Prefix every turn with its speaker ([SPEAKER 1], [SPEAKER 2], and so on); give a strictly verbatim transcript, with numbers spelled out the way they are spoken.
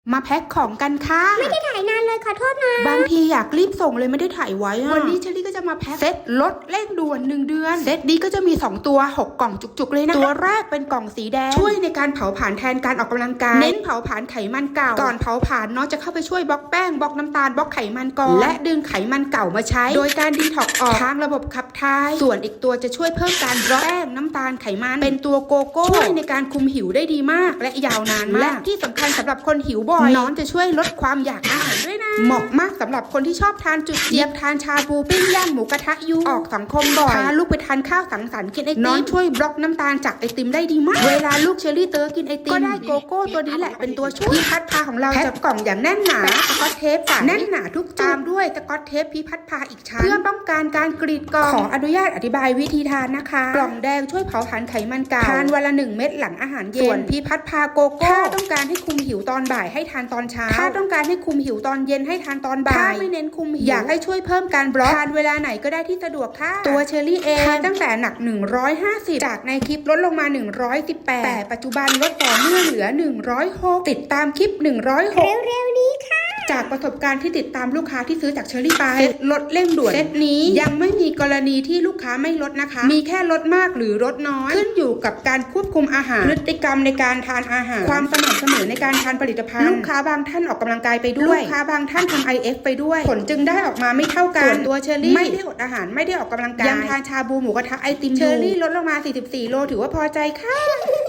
[SPEAKER 1] มาแพ็คของกันค่ะ
[SPEAKER 2] ไม่ได้ถ่ายนานเลยขอโทษนะ
[SPEAKER 1] บางทีอยากรีบส่งเลยไม่ได้ถ่ายไว้วันนี้เชอรี่ก็จะมาแพ็คเซตลดเร่งด่วนหนึ่งเดือนเซตนี้ก็จะมีสองตัวหกกล่องจุกๆเลยนะตัวแรกเป็นกล่องสีแดงช่วยในการเผาผลาญแทนการออกกำลังกายเน้นเผาผลาญไขมันเก่าก่อนเผาผลาญเนาะจะเข้าไปช่วยบล็อกแป้งบล็อกน้ำตาลบล็อกไขมันก่อนและดึงไขมันเก่ามาใช้โดยการดีท็อกซ์ออกทางระบบขับถ่ายส่วนอีกตัวจะช่วยเพิ่มการบล็อกแป้งน้ำตาลไขมันเป็นตัวโกโก้ช่วยในการคุมหิวได้ดีมากและยาวนานมากและที่สำคัญสำหรับคนหิวบ่อยน้องจะช่วยลดความอยากอาหารด้วยนะเหมาะมากสำหรับคนที่ชอบทานจุดเจี๊ยบทานชาบูปิ้งย่างหมูกระทะยูออกสังคมบ่อยพาลูกไปทานข้าวสังสรรค์กินไอติมน้องช่วยบล็อกน้ำตาลจากไอติมได้ดีมากเวลาลูกเชอรี่เตอร์กินไอติมก็ได้โกโก้ตัวนี้แหละเป็นตัวช่วยพี่พัดพาของเราจะกล่องอย่างแน่นหนาสกอตเทปแน่นหนาทุกตามด้วยสกอตเทปพี่พัดพาอีกชั้นเพื่อป้องกันการกรีดกล่องขออนุญาตอธิบายวิธีทานนะคะกล่องแดงช่วยเผาผลาญไขมันเก่าทานวันละหนึ่งเม็ดหลังอาหารเย็นส่วนพี่พัดพาโกโก้ถ้าต้องการให้คุมหิวตอนบ่ายให้ทานตอนเช้าถ้าต้องการให้คุมหิวตอนเย็นให้ทานตอนบ่ายถ้าไม่เน้นคุมหิวอยากให้ช่วยเพิ่มการบล็อกทานเวลาไหนก็ได้ที่สะดวกค่ะตัวเชอรี่เองทานตั้งแต่หนักหนึ่งร้อยห้าสิบจากในคลิปลดลงมาหนึ่งร้อยสิบแปดแต่ปัจจุบันลดต่อเนื่องเหลือหนึ่งร้อยหกติดตามคลิปหนึ่งร้อยหก
[SPEAKER 2] เร็วๆนี้ค่ะ
[SPEAKER 1] จากประสบการณ์ที่ติดตามลูกค้าที่ซื้อจากเชอรี่ไปเซตลดเร่งด่วนเซตนี้ยังไม่มีกรณีที่ลูกค้าไม่ลดนะคะมีแค่ลดมากหรือลดน้อยขึ้นอยู่กับการควบคุมอาหารพฤติกรรมในการทานอาหารความสม่ำเสมอในการทานผลิตภัณฑ์ลูกค้าบางท่านออกกำลังกายไปด้วยลูกค้าบางท่านทำ ไอ เอฟ ไปด้วยผลจึงได้ออกมาไม่เท่ากันส่วนตัวเชอรี่ไม่ได้อดอาหารไม่ได้ออกกำลังกายยังทานชาบูหมูกระทะไอติมเชอรี่ลดลงมาสี่สิบสี่โลถือว่าพอใจค่ะ